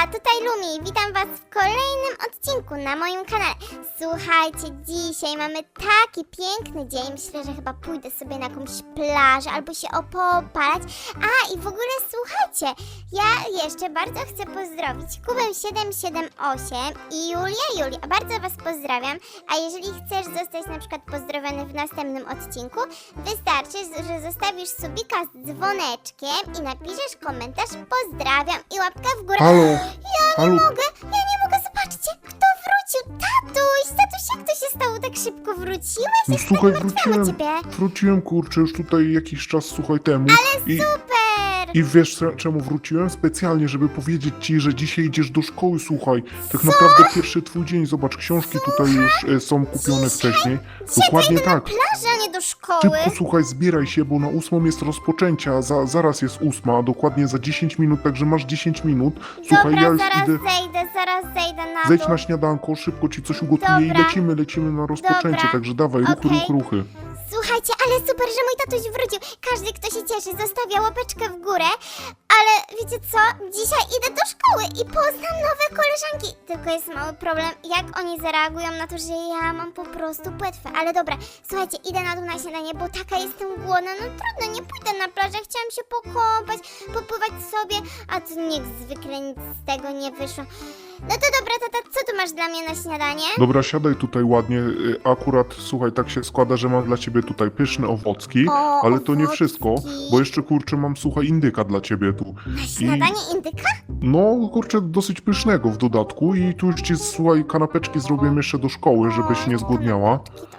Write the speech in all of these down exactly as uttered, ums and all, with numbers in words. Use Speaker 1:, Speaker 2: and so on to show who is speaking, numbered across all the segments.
Speaker 1: tutaj Lumi, witam was w kolejnym odcinku na moim kanale. Słuchajcie, dzisiaj mamy taki piękny dzień, myślę, że chyba pójdę sobie na jakąś plażę albo się opopalać. A i w ogóle słuchajcie, ja jeszcze bardzo chcę pozdrowić Kubę siedem siedem osiem i Julia Julia, bardzo was pozdrawiam. A jeżeli chcesz zostać na przykład pozdrowiony w następnym odcinku, wystarczy, że zostawisz subika z dzwoneczkiem i napiszesz komentarz pozdrawiam i łapka w górę.
Speaker 2: Halo,
Speaker 1: Ja nie
Speaker 2: halo.
Speaker 1: mogę, ja nie mogę, zobaczcie, kto wrócił, tatuś, tatuś, jak to się stało, tak szybko wróciłeś?
Speaker 2: No
Speaker 1: Jestem
Speaker 2: słuchaj,
Speaker 1: tak martwiłam o
Speaker 2: wróciłem,
Speaker 1: ciebie.
Speaker 2: wróciłem kurczę już tutaj jakiś czas, słuchaj, temu. I,
Speaker 1: Super!
Speaker 2: I wiesz cze- czemu wróciłem? Specjalnie, żeby powiedzieć ci, że dzisiaj idziesz do szkoły, słuchaj. Tak naprawdę pierwszy twój dzień, zobacz, książki tutaj już e, są kupione wcześniej. Dokładnie
Speaker 1: Idę na
Speaker 2: tak.
Speaker 1: plażę, a nie do szkoły.
Speaker 2: Szybko, słuchaj, zbieraj się, bo na ósmą jest rozpoczęcia, za, zaraz jest ósma, dokładnie za dziesięć minut, także masz dziesięć minut. Słuchaj,
Speaker 1: Dobra,
Speaker 2: ja już
Speaker 1: zaraz
Speaker 2: idę,
Speaker 1: zejdę, zaraz zejdę na
Speaker 2: zejdź
Speaker 1: dół.
Speaker 2: na śniadanko, szybko ci coś ugotuję i
Speaker 1: Dobra.
Speaker 2: lecimy, lecimy na rozpoczęcie,
Speaker 1: Dobra.
Speaker 2: także dawaj, ruchy,
Speaker 1: Okej.
Speaker 2: ruchy, ruchy.
Speaker 1: Słuchajcie, ale super, że mój tatuś wrócił. Każdy, kto się cieszy, zostawia łapeczkę w górę. Ale wiecie co? Dzisiaj idę do szkoły i poznam nowe koleżanki. Tylko jest mały problem, jak oni zareagują na to, że ja mam po prostu płetwę. Ale dobra, słuchajcie, idę na dół na śniadanie, bo taka jestem głodna. No trudno, nie pójdę na plażę. Chciałam się pokąpać, popływać sobie, a tu jak zwykle nic z tego nie wyszło. No to dobra, tata, co tu masz dla mnie na śniadanie?
Speaker 2: Dobra, siadaj tutaj ładnie. Y, Akurat, słuchaj, tak się składa, że mam dla ciebie tutaj pyszne owocki,
Speaker 1: O,
Speaker 2: ale to nie
Speaker 1: owocki.
Speaker 2: wszystko, bo jeszcze, kurczę, mam, słuchaj, indyka dla ciebie tu.
Speaker 1: Na śniadanie indyka?
Speaker 2: No, kurczę, dosyć pysznego w dodatku i tu już ci, słuchaj, kanapeczki zrobię jeszcze do szkoły, żebyś nie zgłodniała.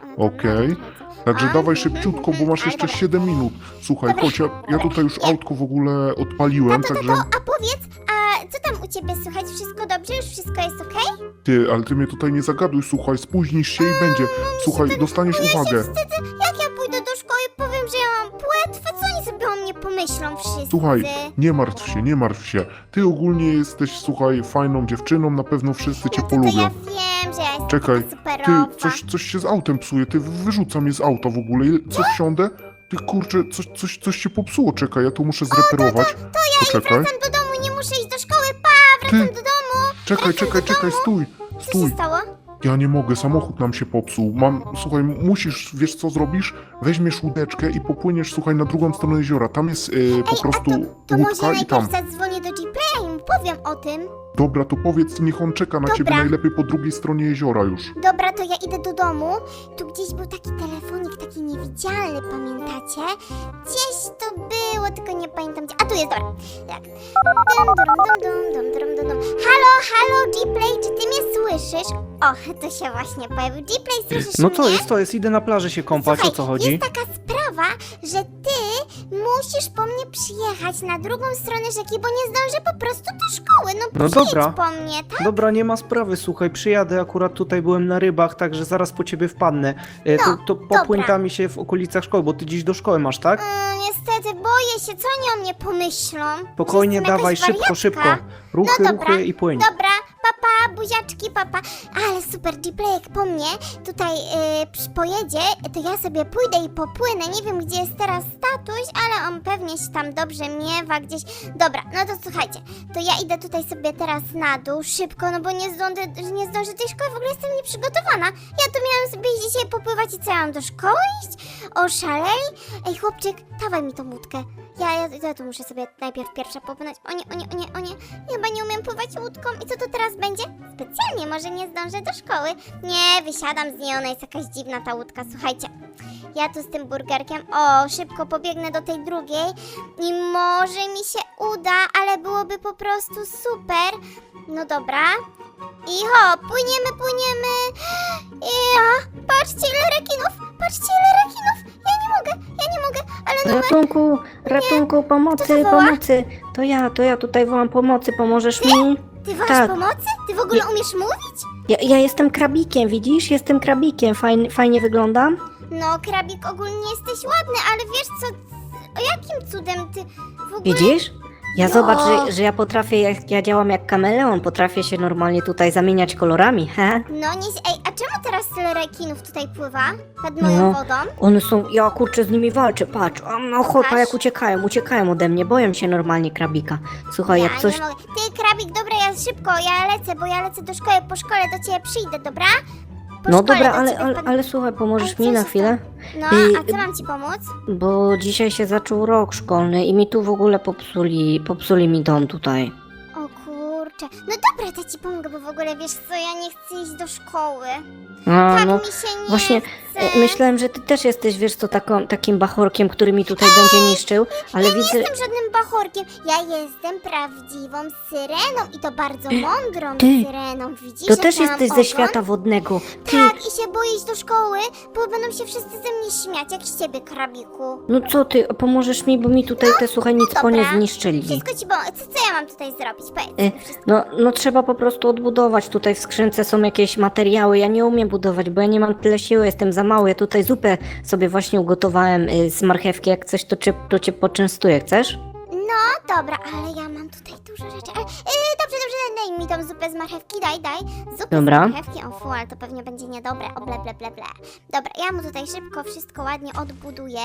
Speaker 2: Okej. Także dawaj szybciutko, bo masz jeszcze siedem minut. Słuchaj, chodź, ja, ja tutaj już autko w ogóle odpaliłem, także...
Speaker 1: A powiedz, a co tam u ciebie słychać? Wszystko dobrze? Już wszystko jest okej?
Speaker 2: Ty, ale ty mnie tutaj nie zagaduj, słuchaj, spóźnisz się i będzie. Słuchaj, dostaniesz
Speaker 1: Ja się
Speaker 2: uwagę.
Speaker 1: wstydzę, jak ja pójdę do szkoły i powiem, że ja mam płetwę, co oni sobie o mnie pomyślą wszyscy?
Speaker 2: Słuchaj, nie martw się, nie martw się. Ty ogólnie jesteś, słuchaj, fajną dziewczyną, na pewno wszyscy cię
Speaker 1: No to, to
Speaker 2: polubią.
Speaker 1: ja wiem, że ja jestem
Speaker 2: Czekaj,
Speaker 1: taka
Speaker 2: ty,
Speaker 1: superowa.
Speaker 2: coś, coś się z autem psuje, ty wyrzuca mnie z auta w ogóle. Co wsiądę? Ty kurczę, coś, coś, coś się popsuło, czekaj, ja tu muszę zreperować.
Speaker 1: To ja
Speaker 2: Poczekaj.
Speaker 1: wracam do domu, nie muszę iść do szkoły, pa, wracam
Speaker 2: Ty,
Speaker 1: do domu.
Speaker 2: czekaj,
Speaker 1: Wracam
Speaker 2: czekaj,
Speaker 1: do
Speaker 2: czekaj,
Speaker 1: domu.
Speaker 2: stój,
Speaker 1: Co się
Speaker 2: stój.
Speaker 1: stało?
Speaker 2: Ja nie mogę, samochód nam się popsuł. Mam, słuchaj, musisz, wiesz co zrobisz? Weźmiesz łódeczkę i popłyniesz, słuchaj, na drugą stronę jeziora. Tam jest yy, po
Speaker 1: Ej,
Speaker 2: prostu
Speaker 1: a to, to może
Speaker 2: łódka i tam.
Speaker 1: najpierw zadzwonię do G-Playa i mu powiem o tym.
Speaker 2: Dobra, to powiedz, niech on czeka na
Speaker 1: Dobra.
Speaker 2: ciebie najlepiej po drugiej stronie jeziora już.
Speaker 1: Dobra, to ja idę do domu. Tu gdzieś był taki telefonik, taki niewidzialny, pamiętacie? Gdzieś to było, tylko nie pamiętam gdzie. A tu jest, dobra. Tak. Dum, dum, dum, dum, dum, dum, dum. Halo, halo, G-Play, czy ty mnie słyszysz? O, to się właśnie pojawił. G-Play, słyszysz
Speaker 3: No
Speaker 1: mnie?
Speaker 3: co jest, to jest, idę na plażę się kąpać,
Speaker 1: Słuchaj,
Speaker 3: o co chodzi?
Speaker 1: jest taka sprawa, że ty musisz po mnie przyjechać na drugą stronę rzeki, bo nie zdążę po prostu do szkoły. No,
Speaker 3: No
Speaker 1: przyjedź
Speaker 3: dobra.
Speaker 1: po mnie, tak?
Speaker 3: Dobra, nie ma sprawy, słuchaj, przyjadę, akurat tutaj byłem na rybach, także zaraz po ciebie wpadnę. E, to, to popłyń
Speaker 1: dobra.
Speaker 3: tam się w okolicach szkoły, bo ty dziś do szkoły masz, tak?
Speaker 1: Mm, niestety, boję się, co oni o mnie pomyślą?
Speaker 3: Spokojnie,
Speaker 1: Że jestem
Speaker 3: dawaj,
Speaker 1: jakaś
Speaker 3: szybko,
Speaker 1: wariatka.
Speaker 3: szybko. Ruchy,
Speaker 1: No dobra,
Speaker 3: ruchy i płyń.
Speaker 1: Dobra, papa, buziaczki, papa. Ale super, G-Play, jak po mnie tutaj yy, przy- pojedzie, to ja sobie pójdę i popłynę. Nie wiem, gdzie jest teraz tatuś, ale on pewnie się tam dobrze miewa gdzieś. Dobra, no to słuchajcie, to ja idę tutaj sobie teraz na dół, szybko, no bo nie zdążę, nie zdążę tej szkoły, w ogóle jestem nieprzygotowana. Ja tu miałam sobie dzisiaj popływać i co, ja mam do szkoły iść? Oszaleli? Ej, chłopczyk, dawaj mi tą łódkę. Ja, ja, ja tu muszę sobie najpierw pierwsza popłynąć. O nie, o nie, o nie, o nie. Chyba nie umiem pływać łódką. I co to teraz będzie? Specjalnie, może nie zdążę do szkoły. Nie, wysiadam z niej, ona jest jakaś dziwna ta łódka. Słuchajcie, ja tu z tym burgerkiem, o, szybko pobiegnę do tej drugiej i może mi się uda, ale byłoby po prostu super. No dobra. I ho, płyniemy, płyniemy. Ja, patrzcie ile rekinów, patrzcie ile rekinów. Ja nie mogę, ja nie mogę, ale no
Speaker 4: Ratunku, ratunku,
Speaker 1: Kto
Speaker 4: pomocy,
Speaker 1: to woła?
Speaker 4: pomocy. To ja, to ja tutaj wołam pomocy, pomożesz mi?
Speaker 1: Ty wołasz
Speaker 4: Tak.
Speaker 1: pomocy? Ty w ogóle umiesz mówić?
Speaker 4: Ja, ja jestem krabikiem, widzisz? Jestem krabikiem, fajnie, fajnie wyglądam.
Speaker 1: No, krabik, ogólnie jesteś ładny, ale wiesz co, o jakim cudem ty w ogóle...
Speaker 4: Widzisz? Ja
Speaker 1: Jo.
Speaker 4: zobacz, że, że ja potrafię, jak ja działam jak kameleon, potrafię się normalnie tutaj zamieniać kolorami, he?
Speaker 1: No nie... Ej, a czemu teraz tyle rekinów tutaj pływa? Pod moją
Speaker 4: No.
Speaker 1: wodą?
Speaker 4: One są, ja kurczę z nimi walczę, patrz, a mam ochota,
Speaker 1: Patrz.
Speaker 4: jak uciekają, uciekają ode mnie, boją się normalnie krabika. Słuchaj,
Speaker 1: Ja
Speaker 4: jak coś...
Speaker 1: nie mogę. Ty, Krabik, dobra, ja szybko, ja lecę, bo ja lecę do szkoły, po szkole do ciebie przyjdę, dobra? Po
Speaker 4: No
Speaker 1: szkole
Speaker 4: dobra,
Speaker 1: do
Speaker 4: ale,
Speaker 1: ciebie
Speaker 4: ale,
Speaker 1: wpadnę.
Speaker 4: ale słuchaj, pomożesz
Speaker 1: Ale
Speaker 4: mi
Speaker 1: co
Speaker 4: na
Speaker 1: się
Speaker 4: chwilę?
Speaker 1: No,
Speaker 4: I-
Speaker 1: a co mam ci pomóc?
Speaker 4: Bo dzisiaj się zaczął rok szkolny i mi tu w ogóle popsuli, popsuli mi dom tutaj.
Speaker 1: O kurczę. No dobra, to ci pomogę, bo w ogóle wiesz co, ja nie chcę iść do szkoły.
Speaker 4: A,
Speaker 1: Tak
Speaker 4: no
Speaker 1: mi się nie
Speaker 4: właśnie,
Speaker 1: chce.
Speaker 4: e, myślałem, że ty też jesteś, wiesz co, taką, takim bachorkiem, który mi tutaj będzie niszczył, ale
Speaker 1: Ja nie
Speaker 4: widzę...
Speaker 1: jestem żadnym bachorkiem, ja jestem prawdziwą syreną i to bardzo mądrą
Speaker 4: Ty,
Speaker 1: syreną, widzisz?
Speaker 4: To
Speaker 1: jak
Speaker 4: też
Speaker 1: ja mam
Speaker 4: jesteś ze
Speaker 1: ogon?
Speaker 4: świata wodnego. Ty,
Speaker 1: Tak, i się boję iść do szkoły, bo będą się wszyscy ze mnie śmiać, jak z ciebie, Krabiku.
Speaker 4: no co ty, pomożesz mi, bo mi tutaj te, słuchaj, nic po nie
Speaker 1: No, dobra.
Speaker 4: zniszczyli.
Speaker 1: Wszystko ci pomogę. Co, co ja mam tutaj zrobić? Powiedz
Speaker 4: Y,
Speaker 1: mi wszystko.
Speaker 4: No, no trzeba po prostu odbudować. Tutaj w skrzynce są jakieś materiały. Ja nie umiem budować, bo ja nie mam tyle siły, jestem za mały. Ja tutaj zupę sobie właśnie ugotowałem y, z marchewki. Jak coś, to cię, to cię poczęstuję. Chcesz?
Speaker 1: No dobra, ale ja mam tutaj dużo rzeczy. Ale, yy, dobrze, dobrze, daj mi tą zupę z marchewki, daj, daj. Zupę
Speaker 4: Dobra.
Speaker 1: z marchewki, o fu, ale to pewnie będzie niedobre. O ble, ble, ble, ble. Dobra, ja mu tutaj szybko wszystko ładnie odbuduję.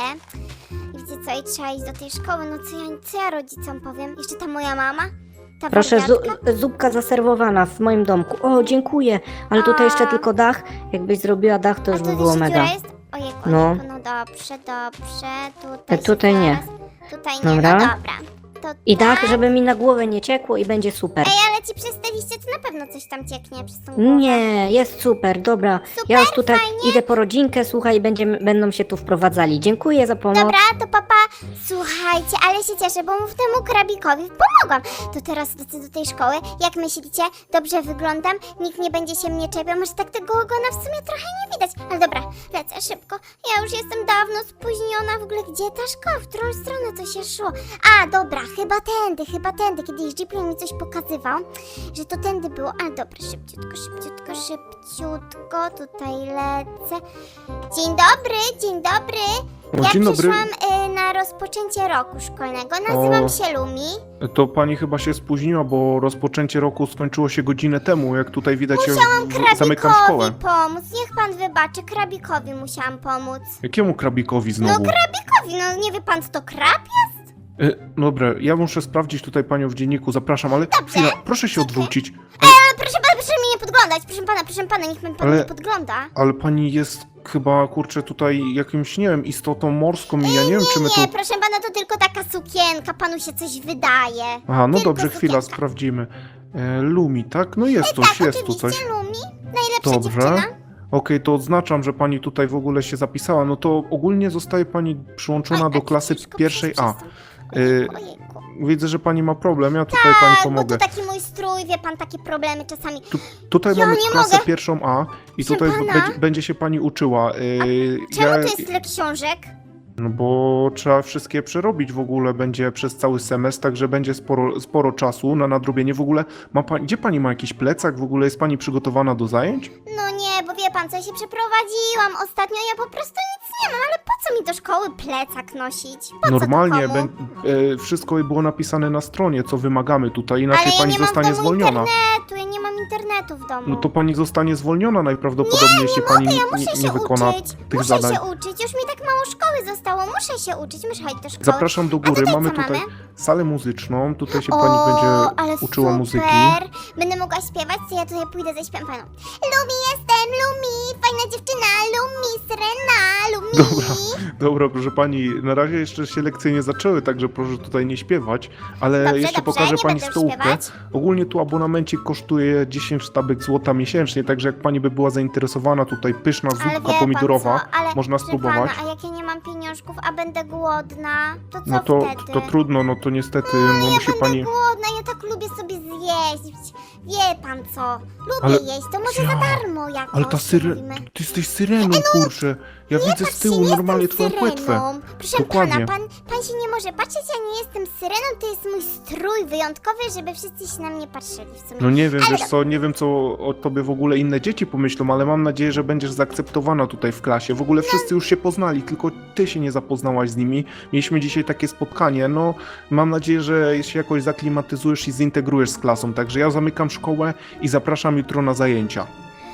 Speaker 1: I wiecie co, i trzeba iść do tej szkoły. No co ja, co ja rodzicom powiem? Jeszcze ta moja mama? Ta
Speaker 4: Proszę,
Speaker 1: wariatka?
Speaker 4: zu, zupka zaserwowana w moim domku. O, dziękuję. Ale tutaj jeszcze
Speaker 1: A.
Speaker 4: tylko dach. Jakbyś zrobiła dach, to
Speaker 1: A
Speaker 4: już
Speaker 1: tu
Speaker 4: by było
Speaker 1: jeszcze
Speaker 4: mega.
Speaker 1: dziura jest? Ojejku,
Speaker 4: No.
Speaker 1: ojejku, no dobrze, dobrze. Tutaj,
Speaker 4: E, tutaj
Speaker 1: się
Speaker 4: nie.
Speaker 1: zaraz- Tutaj nie,
Speaker 4: Dobra.
Speaker 1: no dobra. To
Speaker 4: I
Speaker 1: tak.
Speaker 4: dach, żeby mi na głowę nie ciekło i będzie super.
Speaker 1: Ej, ale ci przez te liście to na pewno coś tam cieknie przez tą głowę.
Speaker 4: Nie, jest super, dobra.
Speaker 1: Super,
Speaker 4: Ja już tutaj
Speaker 1: fajnie.
Speaker 4: idę po rodzinkę, słuchaj, i będziemy, będą się tu wprowadzali. Dziękuję za pomoc.
Speaker 1: Dobra, to papa, słuchajcie, ale się cieszę, bo mu w temu krabikowi pomogłam. To teraz lecę do tej szkoły. Jak myślicie? Dobrze wyglądam? Nikt nie będzie się mnie czepiał. Może tak tego ogona w sumie trochę nie widać. Ale dobra, lecę szybko. Ja już jestem dawno spóźniona. W ogóle gdzie ta szkoła? W którą stronę to się szło? A, dobra, chyba tędy, chyba tędy. Kiedyś Jeepley mi coś pokazywał, że to tędy było. A, dobra, szybciutko, szybciutko, szybciutko. Tutaj lecę. Dzień dobry, dzień dobry.
Speaker 2: O,
Speaker 1: Ja
Speaker 2: dzień dobry.
Speaker 1: przyszłam y, na rozpoczęcie roku szkolnego. Nazywam
Speaker 2: O.
Speaker 1: się Lumi.
Speaker 2: To pani chyba się spóźniła, bo rozpoczęcie roku skończyło się godzinę temu, jak tutaj widać, ja w- zamykam szkołę.
Speaker 1: Krabikowi pomóc. Niech pan wybaczy, Krabikowi musiałam pomóc.
Speaker 2: Jakiemu krabikowi
Speaker 1: No
Speaker 2: znowu?
Speaker 1: Krabikowi, no nie wie pan co to krab?
Speaker 2: E, dobra, ja muszę sprawdzić tutaj panią w dzienniku, zapraszam, ale chwila, proszę się odwrócić.
Speaker 1: Ale proszę pana, proszę mi nie podglądać. Proszę pana, proszę pana, niech pan, pan
Speaker 2: Ale-
Speaker 1: nie podgląda.
Speaker 2: Ale pani jest chyba, kurczę, tutaj jakimś, nie wiem, istotą morską i ja nie wiem, czy my tu...
Speaker 1: Nie, proszę pana, to tylko taka sukienka, panu się coś wydaje.
Speaker 2: Aha, no
Speaker 1: tylko
Speaker 2: dobrze, chwila,
Speaker 1: sukienka.
Speaker 2: sprawdzimy. E, Lumi, tak? No jest coś,
Speaker 1: Tak,
Speaker 2: jest tu coś.
Speaker 1: oczywiście, Lumi. Najlepsza
Speaker 2: Dobrze.
Speaker 1: dziewczyna.
Speaker 2: Okej, to odznaczam, że pani tutaj w ogóle się zapisała. No to ogólnie zostaje pani przyłączona
Speaker 1: Oj,
Speaker 2: do
Speaker 1: a
Speaker 2: klasy
Speaker 1: ciężko
Speaker 2: pierwszej A.
Speaker 1: przez to.
Speaker 2: Y,
Speaker 1: Ojejku, ojejku.
Speaker 2: Widzę, że pani ma problem, ja tutaj pani
Speaker 1: Tak, bo
Speaker 2: pomogę.
Speaker 1: to taki mój strój, wie pan, takie problemy czasami.
Speaker 2: Tu, tutaj
Speaker 1: Ja
Speaker 2: mamy
Speaker 1: nie
Speaker 2: klasę
Speaker 1: mogę.
Speaker 2: pierwszą A i
Speaker 1: Proszę
Speaker 2: tutaj
Speaker 1: pana.
Speaker 2: będzie, będzie się pani uczyła. Y,
Speaker 1: Czemu
Speaker 2: ja,
Speaker 1: tu jest tyle książek?
Speaker 2: no bo trzeba wszystkie przerobić w ogóle, będzie przez cały semestr, także będzie sporo, sporo czasu na nadrobienie. W ogóle ma pani, gdzie pani ma jakiś plecak? W ogóle jest pani przygotowana do zajęć?
Speaker 1: No nie, bo wie pan co, ja się przeprowadziłam ostatnio, ja po prostu nic nie mam, ale po co mi do szkoły plecak nosić? Po
Speaker 2: Normalnie,
Speaker 1: co to komu?
Speaker 2: bę- y, wszystko było napisane na stronie, co wymagamy tutaj, inaczej
Speaker 1: Ale ja
Speaker 2: pani
Speaker 1: nie mam w
Speaker 2: zostanie
Speaker 1: domu
Speaker 2: zwolniona.
Speaker 1: internetu, ja nie mam internetu w domu.
Speaker 2: No to pani zostanie zwolniona najprawdopodobniej, jeśli pani
Speaker 1: Mogę, ja
Speaker 2: nie,
Speaker 1: muszę
Speaker 2: nie
Speaker 1: się
Speaker 2: wykona
Speaker 1: uczyć,
Speaker 2: tych
Speaker 1: muszę
Speaker 2: zadań.
Speaker 1: się uczyć, już mi tak mało szkoły zostało, muszę się uczyć, muszę chodzić do szkoły.
Speaker 2: Zapraszam do
Speaker 1: A
Speaker 2: góry,
Speaker 1: tutaj
Speaker 2: mamy
Speaker 1: co
Speaker 2: tutaj
Speaker 1: mamy?
Speaker 2: salę muzyczną, tutaj się
Speaker 1: O,
Speaker 2: pani
Speaker 1: ale
Speaker 2: będzie uczyła
Speaker 1: super.
Speaker 2: muzyki.
Speaker 1: Będę mogła śpiewać, to ja tutaj pójdę zaśpiewam panu. Lumi jestem, Lumi, fajna dziewczyna, Lumi, Syrena, Lumi.
Speaker 2: Dobra. Dobra, proszę pani, na razie jeszcze się lekcje nie zaczęły, także proszę tutaj nie śpiewać, ale
Speaker 1: Dobrze,
Speaker 2: jeszcze
Speaker 1: dobrze,
Speaker 2: pokażę
Speaker 1: nie
Speaker 2: pani
Speaker 1: będę
Speaker 2: stołówkę.
Speaker 1: śpiewać.
Speaker 2: Ogólnie tu abonamencik kosztuje dziesięć sztabek złota miesięcznie, także jak pani by była zainteresowana, tutaj pyszna
Speaker 1: Ale wie
Speaker 2: zupka
Speaker 1: pan
Speaker 2: pomidorowa,
Speaker 1: co, ale
Speaker 2: można
Speaker 1: proszę
Speaker 2: spróbować.
Speaker 1: Pana, a jak ja nie mam pieniążków, a będę głodna, to co
Speaker 2: No to,
Speaker 1: wtedy?
Speaker 2: to trudno, no to niestety
Speaker 1: No,
Speaker 2: no,
Speaker 1: ja
Speaker 2: musi
Speaker 1: będę
Speaker 2: pani...
Speaker 1: głodna, głodna, ja tak lubię sobie zjeść. Wie pan co? Lubię
Speaker 3: Ale-
Speaker 1: jeść, to może
Speaker 3: Ja-
Speaker 1: za darmo jakoś
Speaker 3: Ale ta syre...
Speaker 1: zrobimy.
Speaker 3: Ty jesteś syreną, kurczę. Ja widzę z
Speaker 1: Patrzcie,
Speaker 3: tyłu
Speaker 1: nie
Speaker 3: normalnie
Speaker 1: jestem
Speaker 3: twoją płetwę.
Speaker 1: syreną. Proszę
Speaker 3: Dokładnie.
Speaker 1: pana, pan, pan się nie może patrzeć, ja nie jestem syreną, to jest mój strój wyjątkowy, żeby wszyscy się na mnie patrzyli w sumie.
Speaker 3: No nie wiem,
Speaker 1: Ale
Speaker 3: wiesz co, nie wiem co o tobie w ogóle inne dzieci pomyślą, ale mam nadzieję, że będziesz zaakceptowana tutaj w klasie. W ogóle wszyscy już się poznali, tylko ty się nie zapoznałaś z nimi. Mieliśmy dzisiaj takie spotkanie, no mam nadzieję, że się jakoś zaklimatyzujesz i zintegrujesz z klasą, także ja zamykam szkołę i zapraszam jutro na zajęcia.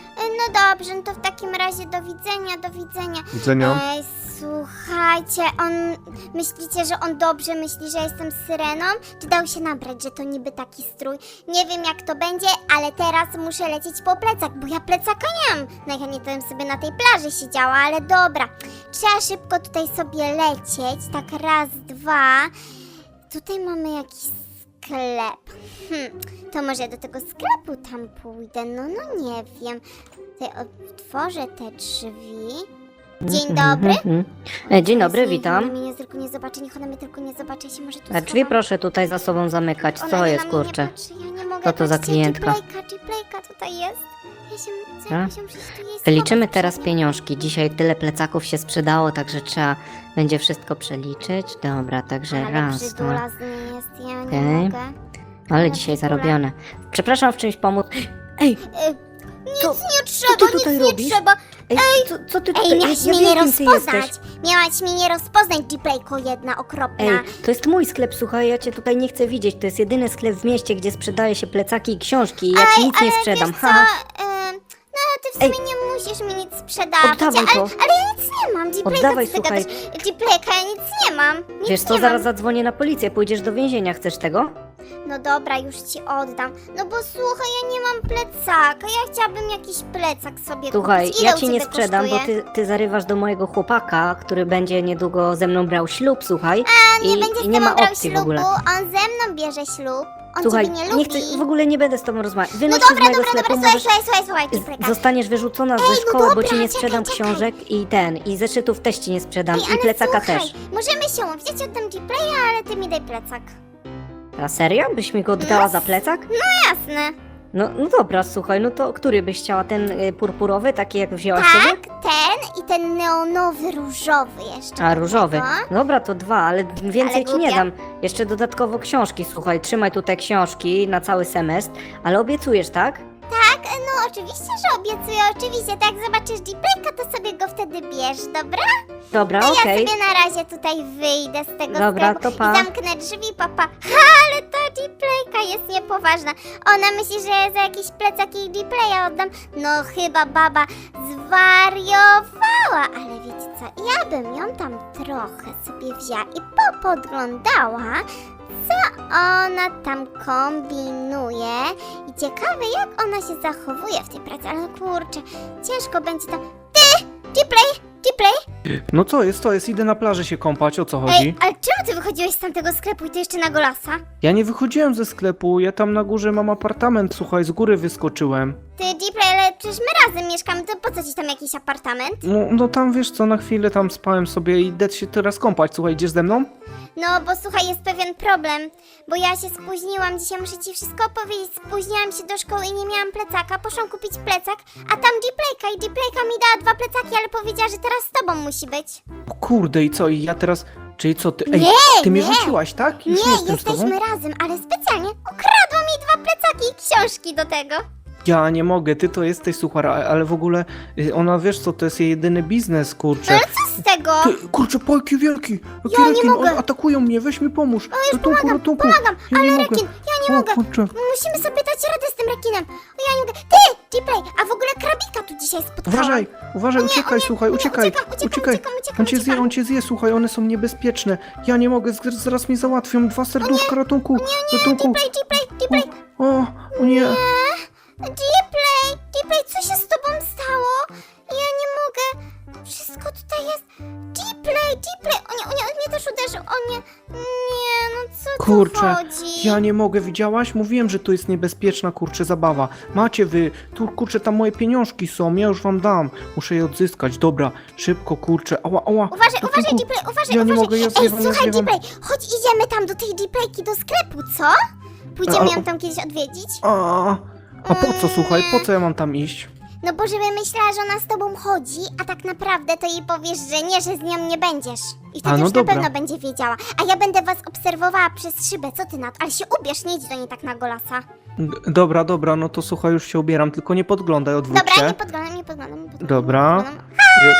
Speaker 1: No dobrze, no to w takim razie do widzenia, do widzenia.
Speaker 3: Do widzenia.
Speaker 1: Ej, słuchajcie, on... Myślicie, że on dobrze myśli, że jestem syreną? Czy dał się nabrać, że to niby taki strój? Nie wiem jak to będzie, ale teraz muszę lecieć po plecak, bo ja plecaka nie mam. Najchętniej to bym sobie na tej plaży siedziała, ale dobra. Trzeba szybko tutaj sobie lecieć, tak raz, dwa. Tutaj mamy jakiś sklep. Hm, to może do tego sklepu tam pójdę, no, no nie wiem. Tutaj otworzę te drzwi. Dzień dobry.
Speaker 4: Mhm. E, Dzień dobry,
Speaker 1: Niech
Speaker 4: witam.
Speaker 1: Ona mnie tylko nie zobaczy, niech ona mnie tylko nie zobaczy, ja się może tu
Speaker 4: A drzwi
Speaker 1: schowam.
Speaker 4: proszę tutaj za sobą zamykać.
Speaker 1: Ona
Speaker 4: Co
Speaker 1: nie
Speaker 4: jest,
Speaker 1: na mnie
Speaker 4: kurczę?
Speaker 1: Nie patrzy, ja nie mogę.
Speaker 4: Co to za
Speaker 1: Patrzcie,
Speaker 4: klientka?
Speaker 1: Gplayka, Gplayka tutaj jest. Ja się, co,
Speaker 4: A?
Speaker 1: ja się muszę tu jej
Speaker 4: Liczymy
Speaker 1: schować
Speaker 4: teraz
Speaker 1: przed nią.
Speaker 4: pieniążki. Dzisiaj tyle plecaków się sprzedało, także trzeba będzie wszystko przeliczyć. Dobra, także
Speaker 1: Ale
Speaker 4: raz,
Speaker 1: brzydula
Speaker 4: dwa.
Speaker 1: z niej jest, ja nie
Speaker 4: Okej.
Speaker 1: mogę.
Speaker 4: Ale
Speaker 1: Ale
Speaker 4: dzisiaj
Speaker 1: brzydula.
Speaker 4: zarobione. Przepraszam, w czymś pomóc. Ej,
Speaker 1: E, nic
Speaker 4: Co-
Speaker 1: nie trzeba,
Speaker 4: ty
Speaker 1: nic
Speaker 4: tutaj
Speaker 1: nie
Speaker 4: robisz?
Speaker 1: trzeba.
Speaker 4: ej, co, co ty tutaj?
Speaker 1: Ej, miałaś
Speaker 4: ja
Speaker 1: mnie
Speaker 4: wiem,
Speaker 1: nie
Speaker 4: kim ty
Speaker 1: rozpoznać.
Speaker 4: jesteś.
Speaker 1: Miałaś mnie nie rozpoznać, Gplayko jedna okropna.
Speaker 4: Ej, to jest mój sklep, słuchaj, ja cię tutaj nie chcę widzieć. To jest jedyny sklep w mieście, gdzie sprzedaje się plecaki i książki. Ja ci nic
Speaker 1: ale
Speaker 4: nie sprzedam.
Speaker 1: Wiesz co,
Speaker 4: Haha.
Speaker 1: e, no ty w
Speaker 4: Ej.
Speaker 1: sumie nie musisz mi nic sprzedawać,
Speaker 4: Oddawaj
Speaker 1: ale,
Speaker 4: to.
Speaker 1: ale ja nic nie mam, Gplayka,
Speaker 4: Oddawaj,
Speaker 1: co ty
Speaker 4: słuchaj.
Speaker 1: gadasz? Gplayka, ja nic nie mam, nic
Speaker 4: Wiesz co,
Speaker 1: nie
Speaker 4: zaraz
Speaker 1: mam.
Speaker 4: zadzwonię na policję, pójdziesz do więzienia, chcesz tego?
Speaker 1: No dobra, już ci oddam. No bo słuchaj, ja nie mam plecaka, ja chciałabym jakiś plecak sobie
Speaker 4: Słuchaj,
Speaker 1: kupić. Ile
Speaker 4: ja
Speaker 1: u
Speaker 4: ci nie
Speaker 1: ciebie
Speaker 4: sprzedam,
Speaker 1: kosztuje?
Speaker 4: bo ty, ty zarywasz do mojego chłopaka, który będzie niedługo ze mną brał ślub, słuchaj.
Speaker 1: On nie
Speaker 4: i,
Speaker 1: będzie z
Speaker 4: i nie
Speaker 1: tobą
Speaker 4: ma
Speaker 1: brał
Speaker 4: opcji w
Speaker 1: ślubu,
Speaker 4: ogóle.
Speaker 1: on ze mną bierze ślub. On
Speaker 4: Słuchaj,
Speaker 1: ciebie nie lubi.
Speaker 4: chcę, w ogóle nie będę z tobą rozmawiać.
Speaker 1: No
Speaker 4: Wynoś się z
Speaker 1: dobra,
Speaker 4: mojego
Speaker 1: dobra,
Speaker 4: sklepu,
Speaker 1: dobra, słuchaj,
Speaker 4: możesz...
Speaker 1: słuchaj, słuchaj, słuchaj, Gplayka.
Speaker 4: Zostaniesz wyrzucona ze
Speaker 1: no
Speaker 4: szkoły, bo
Speaker 1: dobra,
Speaker 4: ci nie
Speaker 1: czekaj,
Speaker 4: sprzedam
Speaker 1: czekaj.
Speaker 4: książek i ten, i zeszytów też ci nie sprzedam,
Speaker 1: Ej,
Speaker 4: i
Speaker 1: ale
Speaker 4: plecaka
Speaker 1: słuchaj,
Speaker 4: też.
Speaker 1: możemy się umówić, ja ci oddam Gplaya, ale ty mi daj plecak.
Speaker 4: A serio? Byś mi go oddała za plecak?
Speaker 1: Jasne.
Speaker 4: No, no dobra, słuchaj, no to który byś chciała? Ten y, purpurowy, taki jak wzięłaś sobie?
Speaker 1: Tak, ten i ten neonowy różowy jeszcze.
Speaker 4: A, różowy.
Speaker 1: No.
Speaker 4: Dobra, to dwa, ale więcej
Speaker 1: Ale
Speaker 4: ci nie
Speaker 1: głupia.
Speaker 4: dam. Jeszcze dodatkowo książki, słuchaj, trzymaj tutaj książki na cały semestr, ale obiecujesz, tak?
Speaker 1: Tak, no oczywiście, że obiecuję, oczywiście. Tak, zobaczysz Gplayka, to sobie go wtedy bierz, dobra?
Speaker 4: Dobra,
Speaker 1: Ja
Speaker 4: okej.
Speaker 1: sobie na razie tutaj wyjdę z tego
Speaker 4: Dobra,
Speaker 1: sklepu
Speaker 4: to pa.
Speaker 1: i zamknę drzwi, papa. Ha, ale ta Gplayka jest niepoważna. Ona myśli, że ja za jakiś plecak jej Gplaya oddam. No chyba baba zwariowała. Ale wiecie co, ja bym ją tam trochę sobie wzięła i popodglądała, co ona tam kombinuje. I ciekawe, jak ona się zachowuje w tej pracy. Ale kurczę, ciężko będzie to... Ty, Gplay, Gplay!
Speaker 3: No co jest, co jest, idę na plażę się kąpać, o co chodzi?
Speaker 1: Ej, ale czemu ty wychodziłeś z tamtego sklepu i ty jeszcze na golasa?
Speaker 3: Ja nie wychodziłem ze sklepu, ja tam na górze mam apartament, słuchaj, z góry wyskoczyłem.
Speaker 1: Ty, Gplay, ale przecież my razem mieszkamy, to po co ci tam jakiś apartament?
Speaker 3: No, no tam wiesz co, na chwilę tam spałem sobie i idę się teraz kąpać, słuchaj, idziesz ze mną?
Speaker 1: No, bo słuchaj, jest pewien problem, bo ja się spóźniłam, dzisiaj muszę ci wszystko opowiedzieć, spóźniłam się do szkoły i nie miałam plecaka, poszłam kupić plecak, a tam Gplayka i Gplayka mi dała dwa plecaki, ale powiedziała, że teraz z tobą musi być.
Speaker 3: O kurde, i co, i ja teraz, czyli co, ty, ej,
Speaker 1: Nie,
Speaker 3: ty mnie
Speaker 1: nie.
Speaker 3: rzuciłaś, tak? Już
Speaker 1: Nie,
Speaker 3: jestem z tobą?
Speaker 1: jesteśmy razem, ale specjalnie ukradła mi dwa plecaki i książki do tego.
Speaker 3: Ja nie mogę, ty to jesteś, słuchaj, a- ale w ogóle y, ona, wiesz co, to jest jej jedyny biznes, kurczę.
Speaker 1: Ale co z tego?
Speaker 3: Ty, kurczę, pojki wielki, jaki
Speaker 1: Ja nie
Speaker 3: rekin,
Speaker 1: mogę.
Speaker 3: on- atakują mnie, weź mi pomóż. Ratunku,
Speaker 1: pomagam,
Speaker 3: ratunku.
Speaker 1: pomagam,
Speaker 3: ja
Speaker 1: ale
Speaker 3: nie
Speaker 1: rekin,
Speaker 3: mogę.
Speaker 1: ja nie
Speaker 3: o,
Speaker 1: mogę.
Speaker 3: kurczę.
Speaker 1: Musimy sobie dać radę z tym rekinem. O, ja nie mogę. Ty, Gplay, a w ogóle krabika tu dzisiaj spotkałam.
Speaker 3: Uważaj, uważaj, uciekaj, słuchaj,
Speaker 1: nie,
Speaker 3: uciekaj,
Speaker 1: uciekam, uciekam,
Speaker 3: uciekaj.
Speaker 1: uciekam, uciekam,
Speaker 3: On cię zje,
Speaker 1: uciekam.
Speaker 3: on cię zje, słuchaj, one są niebezpieczne. Ja nie mogę, z- zaraz mnie załatwią, dwa serduszka, ratunku, ratunku.
Speaker 1: Gplay, Gplay, Gplay.
Speaker 3: O, o nie.
Speaker 1: Gplay, Gplay, co się z tobą stało? Ja nie mogę. Wszystko tutaj jest. Gplay, Gplay. O nie, o nie, on mnie też uderzył. O nie, nie, no co
Speaker 3: Kurczę,
Speaker 1: tu chodzi?
Speaker 3: ja nie mogę, widziałaś? Mówiłem, że to jest niebezpieczna, kurczę, zabawa. Macie wy, tu, kurczę, tam moje pieniążki są, ja już wam dam. Muszę je odzyskać, dobra, szybko, kurczę, ała, ała.
Speaker 1: Uważaj,
Speaker 3: ratunku.
Speaker 1: uważaj, Gplay, uważaj,
Speaker 3: Ja nie
Speaker 1: uważaj.
Speaker 3: mogę, ja
Speaker 1: Ej,
Speaker 3: zjewam, ja
Speaker 1: słuchaj,
Speaker 3: zjewam.
Speaker 1: Gplay, chodź idziemy tam do tej Gplayki do sklepu, co? Pójdziemy
Speaker 4: A-
Speaker 1: ją tam kiedyś odwiedzić?
Speaker 4: A, a po co, słuchaj, po co ja mam tam iść?
Speaker 1: No bo żeby myślała, że ona z tobą chodzi, a tak naprawdę to jej powiesz, że nie, że z nią nie będziesz. I wtedy
Speaker 4: A, no
Speaker 1: już
Speaker 4: dobra.
Speaker 1: na pewno będzie wiedziała. A ja będę was obserwowała przez szybę, co ty na to? Ale się ubierz, nie idź do niej tak na golasa.
Speaker 4: D- Dobra, dobra, no to słuchaj, już się ubieram, tylko nie podglądaj, odwróć
Speaker 1: Dobra,
Speaker 4: się.
Speaker 1: nie podglądam, nie podglądam, nie podglądam.
Speaker 4: Dobra.
Speaker 1: nie podglądam.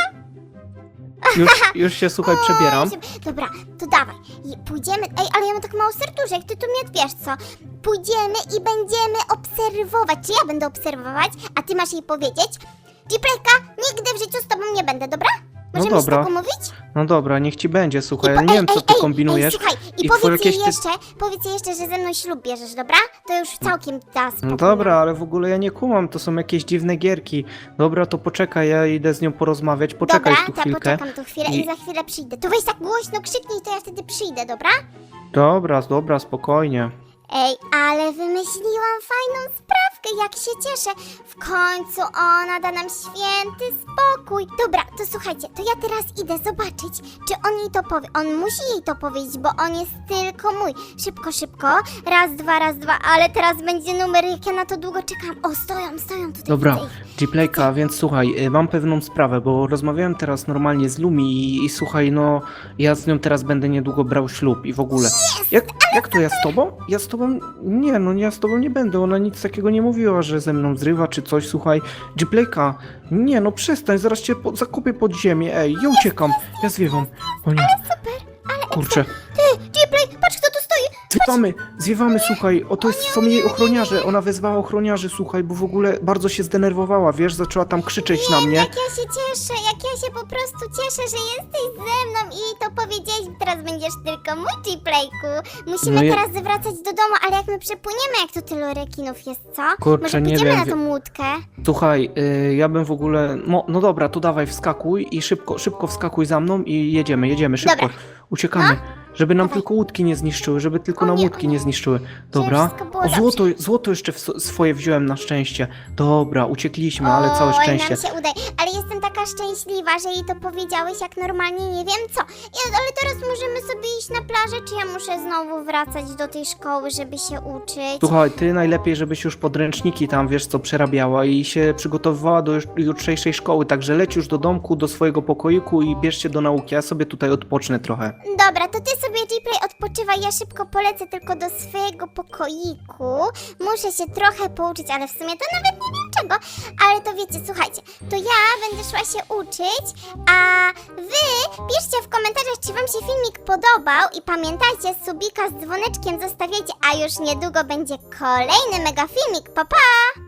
Speaker 4: Ju- Już, już się, słuchaj, przebieram.
Speaker 1: Oj, Dobra, to dawaj. I pójdziemy. Ej, ale ja mam tak mało serduszek, ty tu mnie wiesz co? Pójdziemy i będziemy obserwować. Czy ja będę obserwować, a ty masz jej powiedzieć? Gplayka, nigdy w życiu z tobą nie będę, dobra? Możemy
Speaker 4: No
Speaker 1: się
Speaker 4: dobra.
Speaker 1: tak umówić?
Speaker 4: No dobra, niech ci będzie, słuchaj, ja
Speaker 1: po-
Speaker 4: nie wiem,
Speaker 1: ej,
Speaker 4: co
Speaker 1: ej,
Speaker 4: ty
Speaker 1: ej,
Speaker 4: kombinujesz.
Speaker 1: Ej, słuchaj, i,
Speaker 4: I twoje
Speaker 1: powiedz jej
Speaker 4: jakieś ty-
Speaker 1: jeszcze, powiedz jej jeszcze, że ze mną ślub bierzesz, dobra? To już całkiem da spokój.
Speaker 4: No dobra, ale w ogóle ja nie kumam, to są jakieś dziwne gierki. Dobra, to poczekaj, ja idę z nią porozmawiać, poczekaj
Speaker 1: Dobra,
Speaker 4: tu
Speaker 1: to
Speaker 4: chwilkę.
Speaker 1: poczekam tu chwilę i...
Speaker 4: I-
Speaker 1: za chwilę przyjdę. To weź tak głośno krzyknij, to ja wtedy przyjdę, dobra?
Speaker 4: Dobra, dobra, spokojnie.
Speaker 1: Ej, ale wymyśliłam fajną sprawkę, jak się cieszę. W końcu ona da nam święty spokój. Dobra, to słuchajcie, to ja teraz idę zobaczyć, czy on jej to powie. On musi jej to powiedzieć, bo on jest tylko mój. Szybko, szybko. Raz, dwa, raz, dwa, ale teraz będzie numer, jak ja na to długo czekam. O, stoją, stoją tutaj.
Speaker 4: Dobra,
Speaker 1: widzę ich.
Speaker 4: Gplayka, więc słuchaj, y, mam pewną sprawę, bo rozmawiałem teraz normalnie z Lumi i, i słuchaj, no, ja z nią teraz będę niedługo brał ślub i w ogóle. Jak, jak to ja z tobą? Ja z tobą? Nie, no ja z tobą nie będę, ona nic takiego nie mówiła, że ze mną zrywa czy coś, słuchaj. Gplayka, nie no przestań, zaraz cię po, zakopię pod ziemię, ej, ja uciekam, ja zwiewam. O nie, kurczę.
Speaker 1: Ty, Gplay, patrz kto tu stoi.
Speaker 4: Zwiewamy, zwiewamy, słuchaj, o to jest, są jej ochroniarze, ona wezwała ochroniarzy, słuchaj, bo w ogóle bardzo się zdenerwowała, wiesz, zaczęła tam krzyczeć na mnie.
Speaker 1: Jak ja się cieszę, jak ja się po prostu cieszę, że jesteś ze mną i to powiedziałeś, teraz będziesz tylko mój Gplayku. Musimy
Speaker 4: No ja-
Speaker 1: teraz wracać do domu, ale jak my przepłyniemy, jak tu tylu rekinów jest, co?
Speaker 4: Kurczę,
Speaker 1: Może
Speaker 4: nie
Speaker 1: pójdziemy
Speaker 4: wiem,
Speaker 1: na
Speaker 4: wie-
Speaker 1: tą łódkę?
Speaker 4: Słuchaj, y, ja bym w ogóle, no, no dobra, to dawaj wskakuj i szybko, szybko wskakuj za mną i jedziemy, jedziemy, szybko,
Speaker 1: Dobra.
Speaker 4: uciekamy. Żeby nam
Speaker 1: Dawaj.
Speaker 4: tylko łódki nie zniszczyły, żeby tylko
Speaker 1: O
Speaker 4: nam
Speaker 1: nie,
Speaker 4: łódki
Speaker 1: o nie.
Speaker 4: nie zniszczyły. Dobra.
Speaker 1: wszystko było
Speaker 4: O,
Speaker 1: dobrze.
Speaker 4: złoto, złoto jeszcze w, swoje wziąłem na szczęście. Dobra, uciekliśmy, ale całe
Speaker 1: Oj,
Speaker 4: szczęście.
Speaker 1: nam się udaje. Ale jestem taka szczęśliwa, że jej to powiedziałeś jak normalnie nie wiem co. Ja, ale teraz możemy sobie iść na plażę, czy ja muszę znowu wracać do tej szkoły, żeby się uczyć?
Speaker 4: Słuchaj, ty najlepiej, żebyś już podręczniki tam, wiesz co, przerabiała i się przygotowywała do już- jutrzejszej szkoły, także leć już do domku, do swojego pokoiku i bierz się do nauki, ja sobie tutaj odpocznę trochę.
Speaker 1: Dobra, to ty sobie Gplay odpoczywaj, ja szybko polecę tylko do swojego pokoiku. Muszę się trochę pouczyć, ale w sumie to nawet nie wiem czego. Ale to wiecie, słuchajcie, to ja będę szła się uczyć, a wy piszcie w komentarzach, czy wam się filmik podobał i pamiętajcie, subika z dzwoneczkiem zostawiajcie, a już niedługo będzie kolejny mega filmik. Pa, pa!